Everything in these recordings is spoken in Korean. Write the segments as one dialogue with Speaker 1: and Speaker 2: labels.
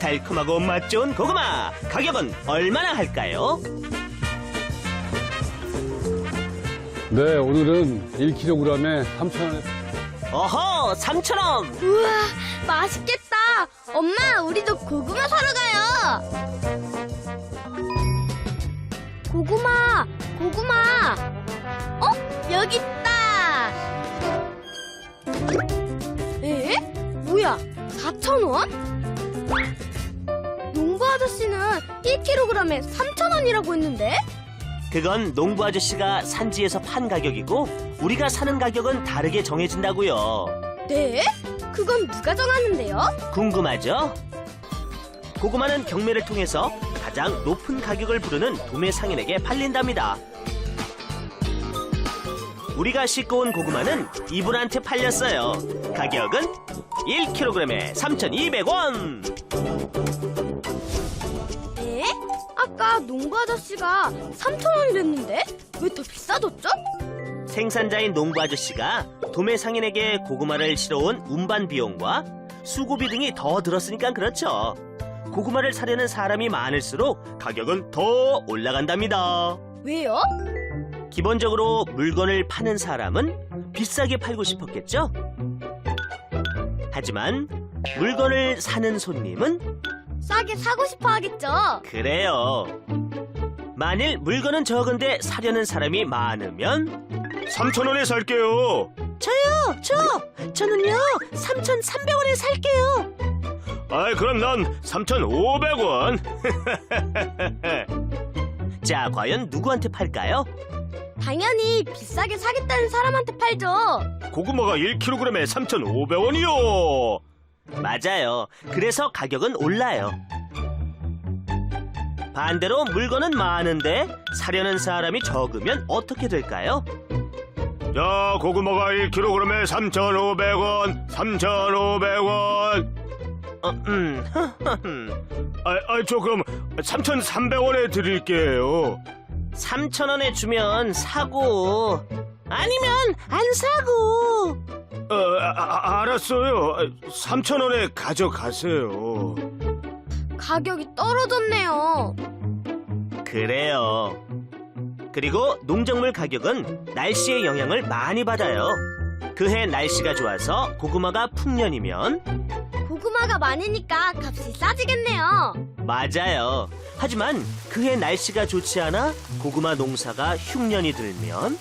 Speaker 1: 달콤하고 맛 좋은 고구마 가격은 얼마나 할까요?
Speaker 2: 네, 오늘은 1kg에 3,000원.
Speaker 1: 어허, 3,000원.
Speaker 3: 우와, 맛있겠다. 엄마, 우리도 고구마 사러 가요. 고구마, 고구마. 여기 있다. 에? 뭐야, 4,000원? 농부 아저씨는 1kg에 3,000원이라고 했는데?
Speaker 1: 그건 농부 아저씨가 산지에서 판 가격이고 우리가 사는 가격은 다르게 정해진다고요.
Speaker 3: 네? 그건 누가 정하는데요?
Speaker 1: 궁금하죠? 고구마는 경매를 통해서 가장 높은 가격을 부르는 도매 상인에게 팔린답니다. 우리가 싣고 온 고구마는 이분한테 팔렸어요. 가격은 1kg에 3,200원.
Speaker 3: 에? 아까 농부 아저씨가 3,000원이랬는데 왜 더 비싸졌죠?
Speaker 1: 생산자인 농부 아저씨가 도매 상인에게 고구마를 실어온 운반 비용과 수고비 등이 더 들었으니까 그렇죠. 고구마를 사려는 사람이 많을수록 가격은 더 올라간답니다.
Speaker 3: 왜요?
Speaker 1: 기본적으로 물건을 파는 사람은 비싸게 팔고 싶었겠죠? 하지만 물건을 사는 손님은
Speaker 3: 싸게 사고 싶어 하겠죠?
Speaker 1: 그래요. 만일 물건은 적은데 사려는 사람이 많으면 3,000원에 살게요. 저는요 3,300원에 살게요. 아이, 그럼 난 3,500원. 자, 과연 누구한테 팔까요?
Speaker 3: 당연히 비싸게 사겠다는 사람한테 팔죠.
Speaker 1: 고구마가 1kg에 3,500원이요. 맞아요. 그래서 가격은 올라요. 반대로 물건은 많은데 사려는 사람이 적으면 어떻게 될까요? 자, 고구마가 1kg에 3,500원, 3,500원. 저 그럼 3,300원에 드릴게요. 3,000원에 주면 사고, 아니면 안 사고. 알았어요. 3,000원에 가져가세요.
Speaker 3: 가격이 떨어졌네요.
Speaker 1: 그래요. 그리고 농작물 가격은 날씨의 영향을 많이 받아요. 그해 날씨가 좋아서 고구마가 풍년이면
Speaker 3: 고구마가 많으니까 값이 싸지겠네요.
Speaker 1: 맞아요. 하지만 그해 날씨가 좋지 않아 고구마 농사가 흉년이 들면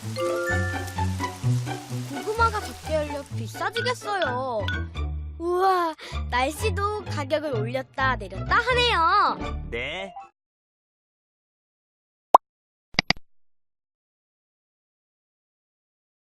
Speaker 3: 고구마가 적게 열려 비싸지겠어요. 우와, 날씨도 가격을 올렸다 내렸다 하네요.
Speaker 1: 네.